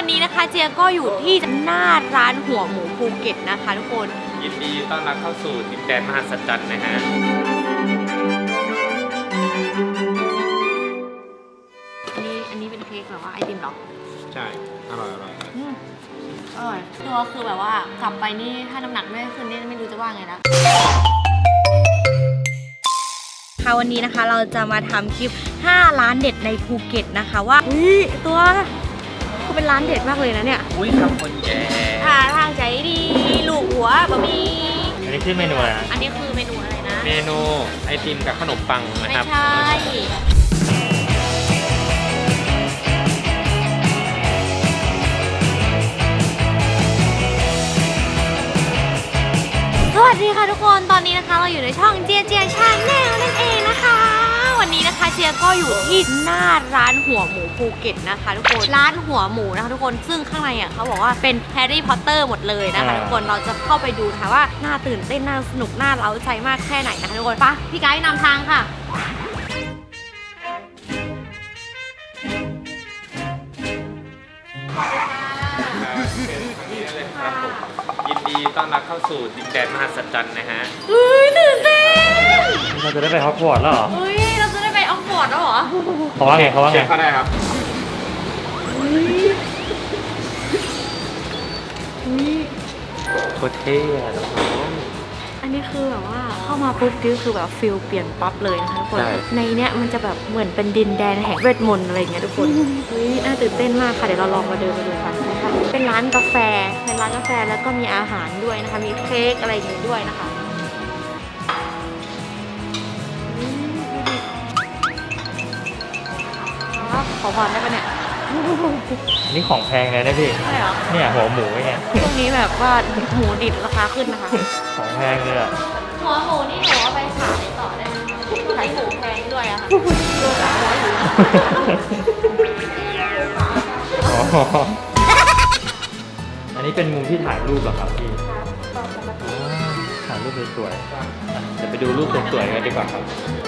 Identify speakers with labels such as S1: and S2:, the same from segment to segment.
S1: วันนี้นะคะเจียก็อยู่ที่หน้าร้านหัวหมูภูเก็ตนะคะทุกคน
S2: ยินดีต้อนรับเข้าสู่ดินแดนมหัศจรรย์นะฮะ
S1: อันนี้เป็นเค้กแบบว่าไอติมหรอ
S2: ใช่อร่อยอร่อย
S1: อร่อยตัวคือแบบว่ากลับไปนี่ถ้าน้ำหนักไม่ขึ้นนี่ไม่รู้จะว่าไงนะค่ะวันนี้นะคะเราจะมาทำคลิป5ร้านเด็ดในภูเก็ตนะคะว่าตัวก็เป็นร้านเด็ดมากเลยนะเนี่ย
S2: อุ้ยทำคนแย่
S1: ทางใจดีลูกหัวบะหมี่
S2: อันนี้คือเมนูอะไร
S1: อันนี้คือเมนูอะไรนะ
S2: เมนูไอติมกับขนมปังนะครับ
S1: ไม่ใช่สวัสดีค่ะทุกคนตอนนี้นะคะเราอยู่ในช่องเจียชาแนลนั่นเองนะคะวันนี้นะคะเจียก็อยู่ที่หน้าร้านหัวหมูภูเก็ตนะคะทุกคนร้านหัวหมูนะคะทุกคนซึ่งข้างในอ่ะเขาบอกว่าเป็นแฮร์รี่พอตเตอร์หมดเลยนะคะทุกคนเราจะเข้าไปดูนะคะว่าน่าตื่นเต้นน่าสนุกน่าเร้าใจมากแค่ไหนนะคะทุกคนไปพี่ไกด์นำทางค่ะ
S2: ยินดีต้อนรับเข้าสู่ดินแดนมหัศจรรย์นะฮะ
S1: ตื่นเต้น
S3: เราจะได้ไปฮอกวอตส์แล้วเหรอ
S1: เราจะได้ไปฮอกวอตส์แล้วเหรอ
S3: เขาว่าไงเขาว่าไง
S2: เขาได้ครับโคตรเท่อะน้อง
S1: อันนี้คือแบบว่าเข้ามาปุ๊บนี่คือแบบฟิลเปลี่ยนปั๊บเลยนะคะทุกคนในเนี้ยมันจะแบบเหมือนเป็นดินแดนแห่งเวทมนต์อะไรอย่างเงี้ยทุกคนน่าตื่นเต้นมากค่ะเดี๋ยวเราลองมาเดินไปดูกันนะคะเป็นร้านกาแฟแล้วก็มีอาหารด้วยนะคะมีเค้กอะไรอย่างงี้ด้วยนะคะขอพรได้ปะเนี่ย
S3: นี่ของแพงเลยนะพี่
S1: ใช่เหรอ
S3: เนี่ยหัวหมูไง
S1: ช่วงนี้แบบว่าหมูดิบราคาขึ้นนะคะ
S3: ของแพงเลยอะ
S1: หัวหมูนี่หนูเอาไปขายต่อได้ไหมขายหมูแพงด้วยอะค่ะตัว300อยู่
S3: อันนี้เป็นมุมที่ถ่ายรูปเหรอครับพี่ถ่ายรูปสวยๆเดี๋ยวไปดูรูปสวยๆกันดีกว่าครับ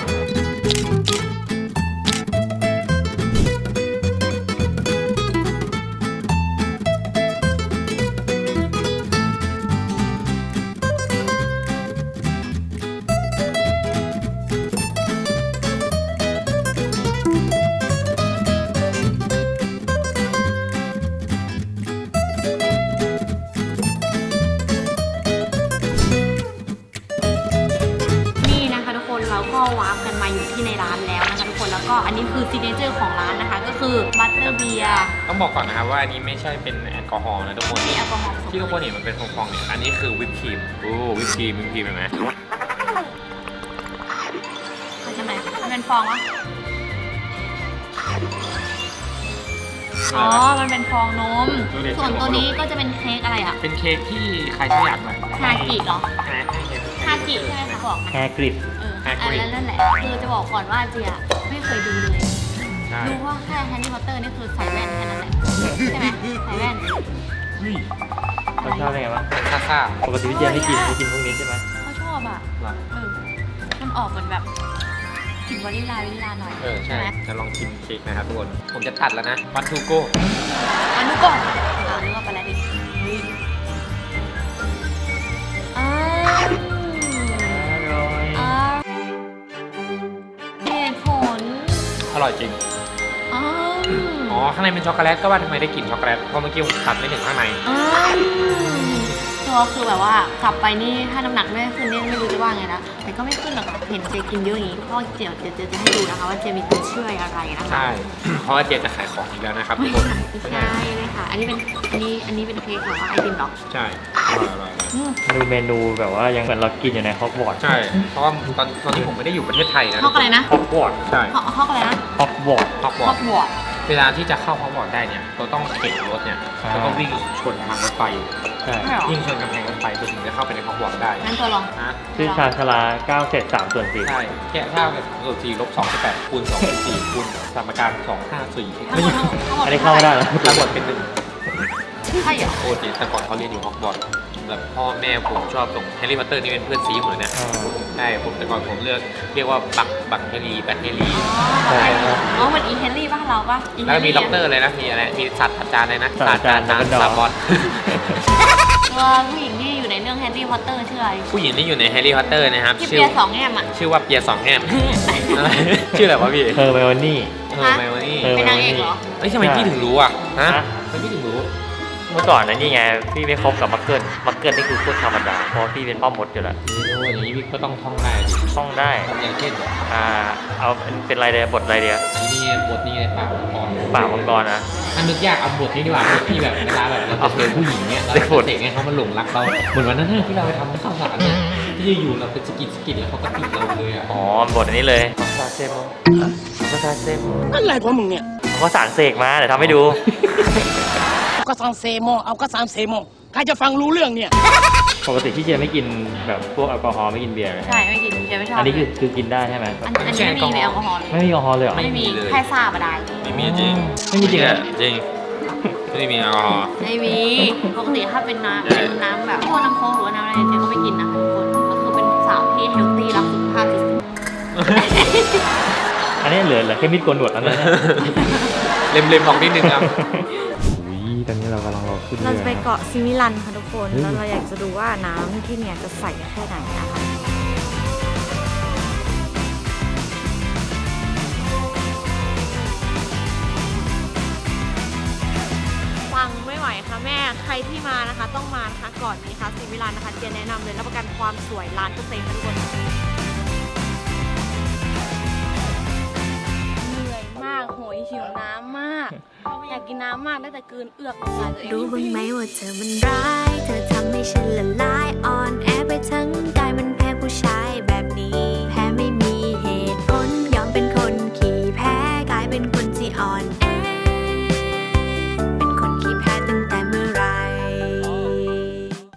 S1: เราก็วาร์ปกันมาอยู่ที่ในร้านแล้วนะคะทุกคนแล้วก็อันนี้คือซิกเนเจอร์ของร้านนะคะก็คือบัตเตอร์เบียร์
S2: ต้องบอกก่อนนะครับว่าอันนี้ไม่ใช่เป็นแอลกอฮอล์นะทุกคน
S1: มีแอลกอฮอล์
S2: ที่ทุกคนเห็นมันเป็นฟองๆเนี่ยอันนี้คือวิปครีมวิปครีมเห็นไหม
S1: ใช่ไหมมันเป็นฟองวะอ๋อมันเป็นฟองนมส่วนตัวนี้ก็จะเป็นเค้กอะไรอ่ะ
S2: เป็นเค้กที่ใครชอบอยากหน่อย
S1: ฮากิเหรอฮากิใช่ไหมคะบอก
S3: แฮกริด
S1: นั่นแหละคือจะบอกก่อนว่าเจียไม่เคยดูเลยดูว่าแค่แฮร์รี่พอตเตอร์นี่คือใส่แว่นแค่นั้นแหละใช่ไหมใส่แว่น
S3: เขาชอบอะไรบ้าง
S2: ซ่า
S3: ปกติพี่เจียไม่กินพวกนี้ใช่ไหม
S1: เขาชอบอ่ะมันออกเหมือนแบบกลิ่นวานิลลาหน่อย
S2: ใช่จะลองชิมเค้กนะครับทุกคนผมจะตัดแล้วนะวันทูโก้
S1: นึกว่าไปแล้วดิ
S2: อร่อยจริงอ๋อข้างในเป็นช็อกโกแลตก็ว่าทำไมได้กลิ่นช็อกโกแลตเพราะเมื่อกี้ผมตัดไม่ถึงข้างใน
S1: ตัวคือแบบว่ากลับไปนี่ถ้าน้ำหนักไม่ขึ้นนี่ไม่รู้จะว่าไงนะแต่ก็ไม่ขึ้นหรอกเห็นเจกินเยอะอย่างนี้เพราะเดี๋ยวจะให้ดูนะคะว่าเจมีตัวช่วยอะไรนะคะ
S2: ใช่เพราะว่าเจจะขายของอีกแล้วนะครับทุกคน
S1: ใช่เลยค่ะอันนี้เป็นเค้กหรอไอติมหรอ
S2: ใช่อร่อย
S3: ดูเมนูแบบว่ายังเหมือนเรากินอยู่ในฮอกวอตส์
S2: ใช่เพราะว่าตอนนี้ผมไม่ได้อยู่ประเทศไทยนะ
S1: ฮอกอะไรนะ
S2: ฮอกวอตส์ใช่
S1: ฮอกอะไรนะ
S3: ฮอกวอต
S1: ส์
S2: เวลาที่จะเข้าฮอกวอตส์ได้เนี่ยเราต้องเข็นรถเนี่ยแล้วก็วิ่งชนทางรถไฟวิ่งชนกำแพงรถไฟถึงจะเข้าไปในฮอกวอตส์ได้
S1: งั้นตัวลอง
S3: ชื่อชาญชลา9 เศษ 3/4
S2: ใช่แค่เท่ากับ3/4 ลบ 2/8 คูณ 2/4 คูณสมการ2/54
S3: อันนี้เข้าไม่ได้แล้ว
S2: ทั้งหมดเป็น1
S1: ใช่เหรอ
S2: โอ้จริงแต่ก่อนเขาเรียนอยู่ฮอกวอตส์แบบพ่อแม่ผมชอบส่งแฮร์รี่พอตเตอร์นี่เป็นเพื่อนซีผมเลยนะใช่ผมแต่ก่อนผมเรียกว่าบักเฮลี่แบทเฮลี่
S1: อ๋อเหมือนอีเฮนรี่บ้านเราปะ
S2: แล้วก็มีด็อกเตอร์เลยนะมีอะไรมีศาสตราจารย์เลยนะศาสตราจารย์ซาบอน
S1: ตัวผู้หญิงที่อยู่ในเรื่องแฮร์รี่พอตเตอร์ชื่ออะไร
S2: ผู้หญิงที่อยู่ในแฮร์รี่พอตเตอร์นะครับ
S1: ที่เปียสองแง่มอ่ะ
S2: ชื่อว่าเปียสองแง่มอะไรชื่ออะไรวะพี่
S3: เธอไมโอนี่
S2: ไมโอนี่
S1: เป็นนางเอกเหรอ
S2: เอ้ยทำไมพี่ถึงรู้อ่ะฮะทำไมพี่ถึงรู้
S3: เมื่อก่อนนะนี่ไงพี่ไม่คบกับมักเกิลนี่คือพูดธรรมดาเพราะพี่เป็นพ่อมดอยู่แล้ว
S2: โอ้ยอย่างนี้พี่ก็ต้องท่องได้ดิ
S3: ท่องได้
S2: อย่างเช่น
S3: เอาเป็นอะไรเดียบทอะไรเดีย
S2: นี่บทนี้ในปากมังกร
S3: ป่ามังกรนะ
S2: อันนึกยากเอาบทนี้ดีกว่าบทที่แบบเวลาแบบเราจะเจอผู้หญิงเนี่ยเราจะเตะให้เขามาหลงรักเราเหมือนวันนั้นที่เราไปทำข้าวสารเนี่ยที่อยู่เราเป็นสกิดแล้วเขาก็ติดเราเลยอ่ะ
S3: อ๋อบทอันนี้เลยภาษาเซมภาษาเซม
S4: อะไรของมึงเนี่ย
S3: เขาก็สารเสกมาเดี๋ยวทำให้ดู
S4: เอากระซังเซโมเอากระซังเซโมใครจะฟังรู้เรื่องเนี่ย
S3: ปกติพี่เจไม่กินแบบพวกแอลกอฮอล์ไม่กินเบียร์ไหม
S1: ใช่ไม่กินเจไม่ชอบ
S3: อันนี้คือกินได้ใช่ไหม
S1: อันนี้ไม่มีแอลกอฮอล์เลย
S3: ไม่มีแอลกอฮอล์เลยเหรอ
S1: ไม่มีแค่ซาบะได้
S2: ไม่มีจริง
S3: ไม่มีจริงเหรอ
S2: จริงไม่มีแอลกอฮอล์
S1: ไม่มีปกติถ้าเป็นน้ำแบบพวกน้ำโค้กหรือว่าน้ำอะไรเจก็ไม่กินนะคะทุกคนก็คือเป็นสาวที่เฮลตี้รักสุขภาพที่สุด
S3: อันนี้เหลือแค่มีดโกนหนวดแล้วนะ
S2: เล็มๆออกนิดนึงครับ
S3: อุ้ยตอนนี้เรากำลังรอขึ้น
S1: เรา
S3: เรือ
S1: จะไปเกาะซิมิลันค่ะทุกคนแล้วเราอยากจะดูว่าน้ำที่เนี่ยจะใสแค่ไหนนะคะฟังไม่ไหวค่ะแม่ใครที่มานะคะต้องมานะคะก่อนนี้ค่ะซิมิลันนะคะเจนแนะนำเลยรับประกันความสวยล้านเปอร์เซ็นต์ค่ะทุกคนเหนื่อยมากโหยหิวน้ำมากอยากกินน้ำมากได้แต่กลืนเอือกออกมาตัวเอง
S5: รู้บ้างไหมว่าเธอมันร้าย เธอทำให้ฉันละลายอ่อนแอไปทั้งกายมันแพ้ผู้ชายแบ